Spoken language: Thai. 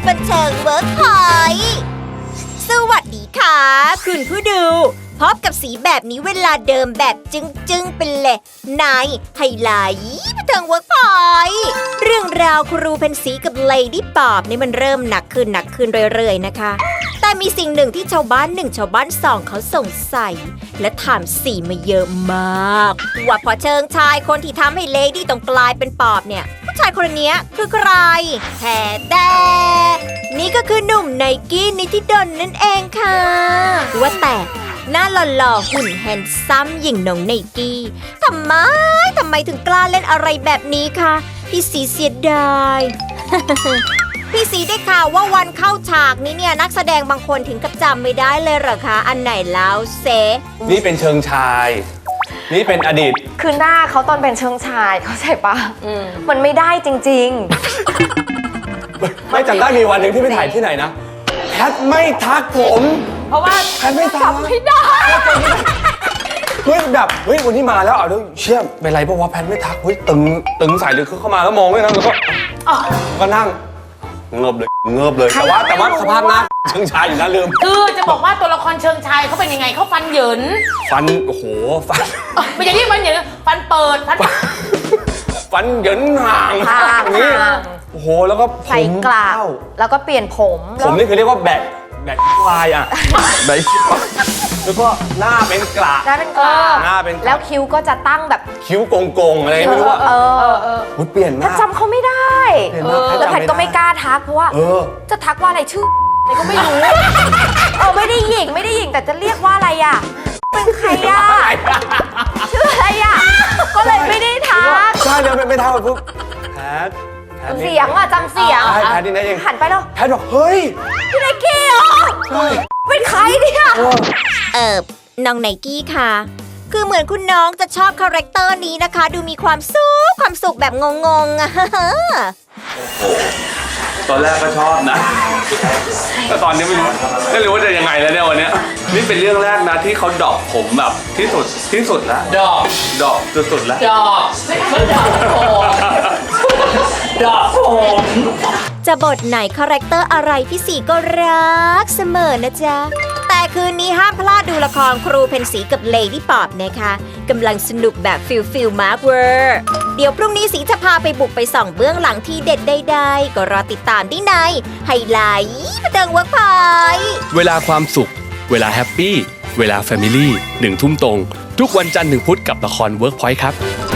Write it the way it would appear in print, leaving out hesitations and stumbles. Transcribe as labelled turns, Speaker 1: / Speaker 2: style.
Speaker 1: บันเทิงเวิร์กพอยต์สวัสดีค่ะคุณผู้ดูพบกับสีแบบนี้เวลาเดิมแบบจึงๆเป็นเลยในไฮไลท์บันเทิงเวิร์กพอยต์เรื่องราวครูเพนสีกับเลดี้ปอบนี่มันเริ่มหนักขึ้นเรื่อยๆนะคะแต่มีสิ่งหนึ่งที่ชาวบ้าน1ชาวบ้าน2เขาสงสัยและถามสีมาเยอะมากว่าพอเชิงชายคนที่ทำให้เลดี้ต้องกลายเป็นปอบเนี่ยผู้ชายคนนี้คือใครแต่นี่ก็คือหนุ่มไนกี้นิติดลนั่นเองค่ะว่าแต่หน้าหล่อๆหุ่นแฮนซัมอย่างน้องไนกี้ทำไมถึงกล้าเล่นอะไรแบบนี้คะพี่สีเสียดาย พี่สีได้ข่าวว่าวันเข้าฉากนี้เนี่ยนักแสดงบางคนถึงกับจำไม่ได้เลยเหรอคะอันไหนแล้วเซ
Speaker 2: นี่เป็นเชิงชายนี่เป็นอดีต
Speaker 3: คือหน้าเขาตอนเป็นเชิงชายเขาใช่ปะมันไม่ได้จริง
Speaker 2: ไม่จำได้มีวันหนึ่งที่ไปถ่ายที่ไหนนะแพทไม่ทักผม
Speaker 3: เพราะว่า
Speaker 2: แพทไม่ทัก
Speaker 3: ไม่ได้
Speaker 2: เฮ้ยแบบวันนี้มาแล้วเอาด้วยเชี่ยเป็นไรเพราะว่าแพทไม่ทักเฮ้ยตึงใส่เลยคือเข้ามาแล้วมองไม่นะแล้วก็นั่งเงิบเลยแต่ว่าสภาพหน้าเชิงชายอยู่นะลืม
Speaker 4: คือจะบอกว่าตัวละครเชิงชายเขาเป็นยังไงเขาฟันเหยิน
Speaker 2: โอ้โหฟัน
Speaker 4: ไม่ใช่ที่ฟันเหยินฟันเปิด
Speaker 2: ฟันเหยินห่างนี่โอ้โหแล้วก็
Speaker 3: ใส่กลาวแล้วก็เปลี่ยนผม
Speaker 2: นี่คือเรียกว่าแบกลายอ่ะแบกแล้วก็หน้าเป็นกลา
Speaker 3: แล้วคิ้วก็จะตั้งแบบ
Speaker 2: คิ้วโกงอะไรไม่รู้ว่าเปลี่ยนมาก
Speaker 3: จำเขาไม่ได้แล้วแพทก็ไม่กล้าทักเพราะว่าจะทักว่าอะไรชื่ออะไรก็ไม่รู้ไม่ได้หญิงแต่จะเรียกว่าอะไรอ่ะเป็นใครอ่ะชื่ออะไรอ่ะก็เลยไม่ได้ทัก
Speaker 2: ใช่เดี๋ยวไม่ทักปุ๊บแพท
Speaker 3: เสียงอ่ะจำเสียง
Speaker 2: แพทนี่นะเอง
Speaker 3: หันไปแล้ว
Speaker 2: แพทบอกเฮ้ย
Speaker 3: พี่ไนกี้เหรอเป็นใครเนี่ย
Speaker 1: น้องไนกี้ค่ะคือเหมือนคุณน้องจะชอบคาแรคเตอร์นี้นะคะดูมีความสุขแบบงงๆอะ
Speaker 2: ตอนแรกก็ชอบนะแต่ตอนนี้ไม่รู้ว่าจะยังไงแล้วเนี่ยวันนี้นี่เป็นเรื่องแรกนะที่เขาดอกผมแบบที่สุดแล้วดอกสุดๆแล้วดอกผม
Speaker 1: จะบทไหนคาแรคเตอร์อะไรพี่สีก็รักเสมอนะจ๊ะแต่คืนนี้ห้ามพลาดดูละครครูเพนสีกับเลดี้ปอบนะคะกำลังสนุกแบบฟิลมาร์คเวอร์เดี๋ยวพรุ่งนี้สีจะพาไปบุกไปส่องเบื้องหลังที่เด็ดใดๆก็รอติดตามที่ในไฮไลท์บันเทิงเวิร์กพอยต์
Speaker 5: เวลาความสุขเวลาแฮปปี้เวลาแฟมิลี่1 ทุ่มตรงทุกวันจันทร์ถึงพุธกับละครเวิร์กพอยต์ครับ